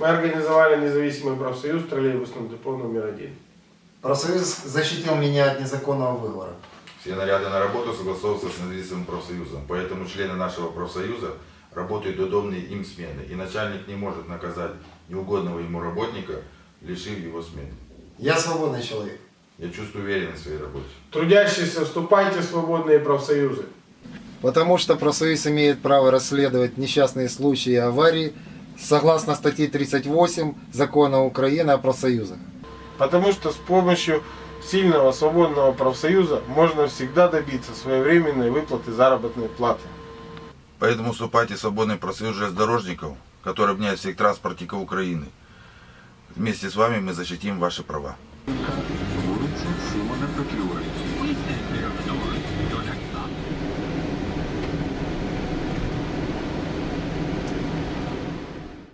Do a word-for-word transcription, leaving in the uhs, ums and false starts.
Мы организовали независимый профсоюз в троллейбусном депо номер один. Профсоюз защитил меня от незаконного выговора. Все наряды на работу согласовываются с независимым профсоюзом, поэтому члены нашего профсоюза работают до удобной им смены, и начальник не может наказать неугодного ему работника, лишив его смены. Я свободный человек. Я чувствую уверенность в своей работе. Трудящиеся, вступайте в свободные профсоюзы. Потому что профсоюз имеет право расследовать несчастные случаи и аварии согласно статье тридцать восемь Закона Украины о профсоюзах. Потому что с помощью сильного свободного профсоюза можно всегда добиться своевременной выплаты заработной платы. Поэтому вступайте в свободный профсоюз железнодорожников, который объединяет всех транспортников Украины. Вместе с вами мы защитим ваши права. Вулиця Симона Петлюри.